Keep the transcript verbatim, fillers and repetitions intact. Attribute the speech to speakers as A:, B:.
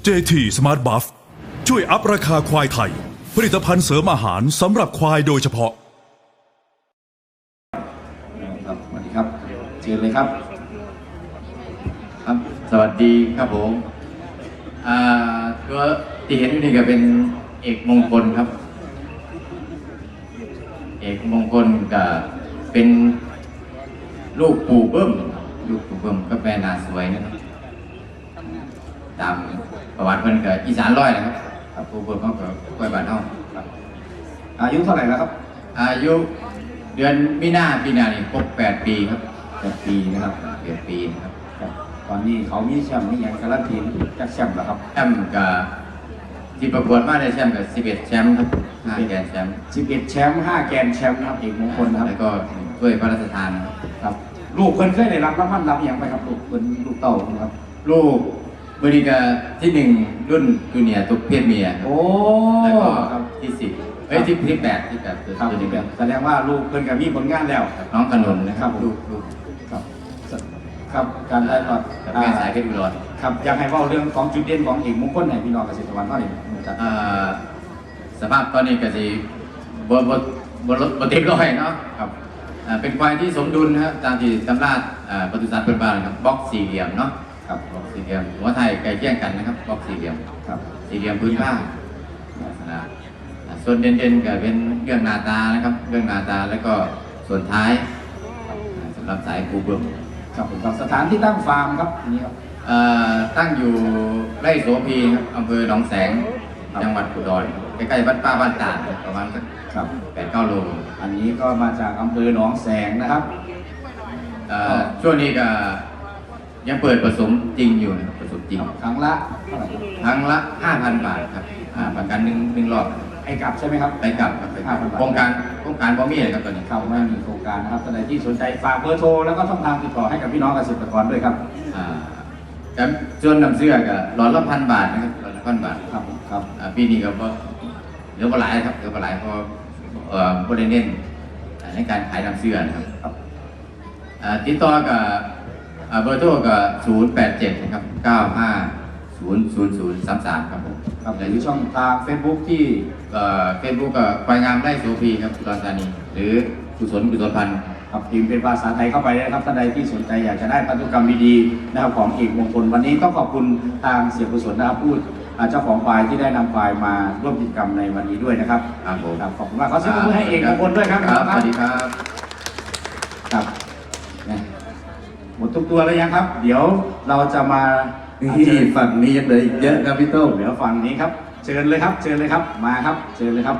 A: เจ ที Smart Buff ช่วยอัพราคาควายไทยผลิตภัณฑ์เสริมอาหารสำหรับควายโดยเฉพาะ
B: ครับสวัสดีครับเชิญเลยครับ
C: ครับสวัสดีครับผมอ่าตัวที่เห็นอยู่นี่ก็เป็นเอกมงคลครับ เอกมงคลก็เป็นลูกปู่เบิ้มลูกปู่เบิ้มก็แปลนาสวยนะครับตามประวัติเพิ่นก็อีสานร้อยนะครับครับปู่เบิ้มเขาก็กล้วยบ้านเฮาครับ
B: อายุเท่าไหร่แล้วครับ
C: อายุเดือนมีนาปีหน้านี่ครบแปดปีครับ
B: แปดปีนะครับ
C: แปดปีนะครับ
B: ตอนนี้เขามีแชมป์นี่อย่างการันตีจักแชมป์แล้วครับ
C: แชมป์กับที่ประกวดมาได้แชมป์กับสิบเอ็ดแชมป์ครับห้าแกนแชมป์
B: สิบเอ็ดแชมป์ห้าแกนแชมป์นะครับเอกมงคลนะครับ
C: แล้วก็ด้วยพระราชทาน
B: ครับลูกเพิ่นเคยได้รับรางวัลรับอย่างไปครับลูกเพิ่นลูกเต่าครับ
C: ลูกบริกาที่หนึ่งรุ่นจูเนียร์ตุกเพศเมีย
B: โอ้
C: แล้วก็ที่สิบเอ้ยที่ที่แปดที่แปดคือ
B: ครับที่แปดแสดงว่าลูกเพิ่นก็มีผลงานแล้ว
C: น้องขนุนนะครับลูกลูก
B: ครับครับการได้ตอด
C: แม่สายเพชรอุดร
B: ครับอยากให้เล่าเรื่องของจุดเด่นของเอกมงคลให้พี่น้องเกษตรกรเขาหน่อย
C: สภาพตอนนี้ก็จะบนบนบนรถบนเต็มร้อยเนาะครับเป็นควายที่สมดุลนะครับตามที่ตำราปศุสัตว์เป็นบ้านครับบล็อกสี่เหลี่ยมเนาะครับบล็อกสี่เหลี่ยมหัวไทยไก่เคี่ยงกันนะครับบล็อกสี่เหลี่ยมครับสี่เหลี่ยมพื้นผ้านะส่วนเด่นๆก็เป็นเรื่องหน้าตานะครับเรื่องหน้าตาแล้วก็ส่วนท้ายสำหรับสายปูเบิ้ม
B: ครับผมครับสถานที่ตั้งฟาร์มครับนี่ครับ
C: ตั้งอยู่ไร่โสพีครับอำเภอหนองแสงจังหวัดอุดรใกล้ๆบ้านป้าบ้านตาดประมาณสักแปดเก้าโล
B: อันนี้ก็มาจากอำเภอหนองแสงนะครับ
C: ช่วงนี้ก็ยังเปิดผสมจริงอยู่ผสมจริง
B: ครั้งละเท่าไหร่
C: ครั้งละห้าพันบาทครับประกันหนึ่งหนึ่งรอบ
B: ไปกลับใช่ไหมครับ
C: ไปกลับครับห้าพันบาทโครงการโครงการบอมี่เลยครับตอนนี้
B: เข้าไม่มีโครงการนะครับท่านใดที่สนใจฝากเบอร์โทรแล้วก็ช่องทางติดต่อให้กับพี่น้องเกษตรกรด้วยครับ
C: ครับส่วนนำเสื้อก็หลอดละพันบาทนะครับหลอดละพันบาท
B: ครับครับ
C: ปีนี้ก็เหลือมาหลายครับเหลือมาหลายเพราะเอ่อผู้ได้เน้นในการขายนำเสื้อนะครับติดต่อกับเบอร์โทรก็ศูนย์แปดเจ็ดนะครับเก้าห้าศูนย์ศูนย์ศูนย์สามสามครับผม
B: ครับหรือช่องทางเฟซบุ๊กที่
C: เฟซบุ๊กกับควายงามไร่โสพีครับอุดรธานีหรือกุศลกุศลพันธ์
B: ครับพิมพ์เป็นภาษาไทยเข้าไปได้ครับท่านใดที่สนใจอยากจะได้พันธุกรรมดีๆนะครับของเอกมงคลวันนี้ต้องขอบคุณทางเสียกุศลนะครับพูดเจ้าของควายที่ได้นำควายมาร่วมกิจกรรมในวันนี้ด้วยนะครับ
C: ครับผม
B: ขอบคุณมากขอเสียงปรบมือให้เอกมงคลด้วยครับ
C: สวัสดีครับ
B: ครับหมดทุกตัวแล้วยังครับเดี๋ยวเราจะมา
C: ที่ฝั่งนี้ยังเหลืออีกเยอะครับพี่โต้
B: เดี๋ยวฝั่งนี้ครับเชิญเลยครับเชิญเลยครับมาครับเชิญเลยครับ